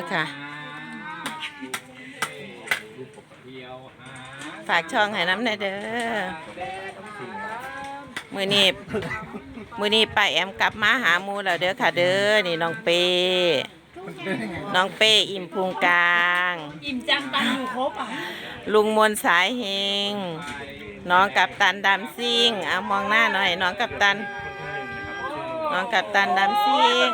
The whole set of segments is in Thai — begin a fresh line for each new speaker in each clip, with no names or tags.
ค่ะ ฝากช่องให้น้ำหน่อยเด้อมือนี้ป้าแอมกลับมาหาหมูแล้วเด้อค่ะเด้อนี่น้องเป้อิ่มพุงกลาง
อิ่มจังตังอยู่ครบอ่ะ
ลุงมนสายเฮงน้องกัปตันดำซิ่งเอามองหน้าหน่อยน้องกัปตันดำซิ่ง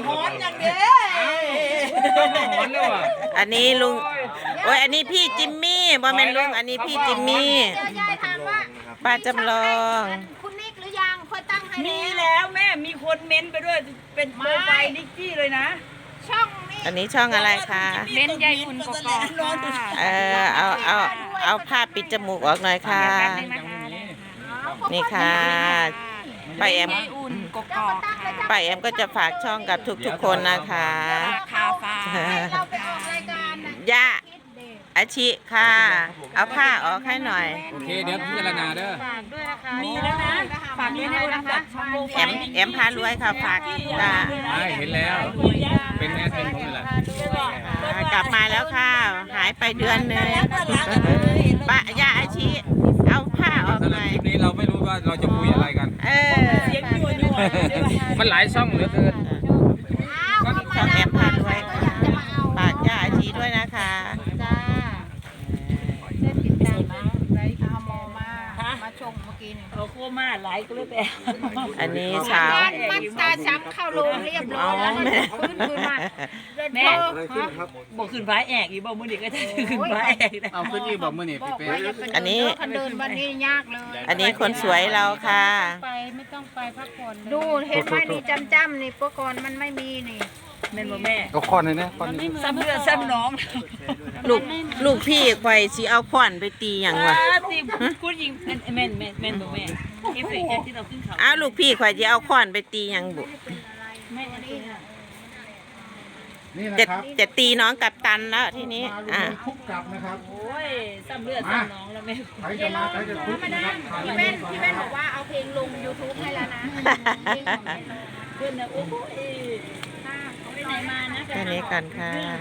อันนี้ลุงโอ้ยอันนี้พี่จิมมี่บ่แม่นลุงอันนี้พี่จิมมี่
ยายถามว่า
ป้าจำลอง
คุณนิกหรือยังค่อยตั้งให้
มีแล้วแม่มีคนเม้นไปด้วยเป็นโปรไฟล์นิกกี้เลยนะ
ช่องนี้
อันนี้ช่องอะไรคะ
เม้นยายอุ่นกกอก
เอาผ้าปิดจมูกออกหน่อยค่ะนี่ค่ะป้าแอมก็จะฝากช่องกับทุกคนนะคะ
เราไปออกรายการ
ย่าอาชิค่ะเอาผ้าออกให้หน่อย
โอเคเดี๋ยวพิจารณาเด้อ
ฝากด้วยนะคะ
มีแล้วนะฝากด้วยนะคะ
แอมพารวยค่ะฝากจ้า
เห็นแล้วเป็นแอดเป็นผมนี่แหละ
กลับมาแล้วค่ะหายไปเดือนนึงป้าย่าอาชิเอาผ้าออกหน่อย
คลิปนี้เราไม่รู้ว่าเราจะคุยอะไรกัน
เสียงยั่ว
มันหลายช่องเหลือเกิน
ช่องแอมพารวยฝากย่าอาชิด้วยนะคะ
มาชมเมื่อกี้นี่
เขาโคม่าหลายก็เลยแต่
อันนี้สาว
มันตาซ้ำเข้าโรงเรียบร้อยแล้วขึ้นมา
แม่บอกขึ้นฟ้าแอกอีบอกมือเด็กก็จะขึ้นฟ้าแอก
เอาขึ้นอีบอกมือนี่พี่เป้
อันนี้
เดินวันนี้ยากเลย
อันนี้คนสวยเราค่ะ
ไม่ต้องไปพักผ่อนดูเห็นไหมนี่จำนี่ปกรณ์มันไม่มีนี่
แม่แม่
ก็ค้อนเลยนะค้อน
ซ้ำเลือดซ้ำน้อง
ลูกพี่ควายสิเอาขวานไปตีอย่างวะ
ตีคุณยิงแม่บอกแม่เอฟเฟกต์ที่เราขึ้นเขา
อ้าวลูกพี่ควายจะเอาขวานไปตีอย่างบุจะตีน้องกับตันแล้วทีนี้
คุกกลับนะครับ
โอ้ยซ้ำเลือดซ้ำน้องแล้วแม่
ใครจะมาใครจะคุกนะครับพี่เว้นบอกว่าเอาเพลงลง YouTube ให้แล้วนะ
เพื่อนนะโอ้ยไปไหนมานะ
แค่นี้กันค่ะ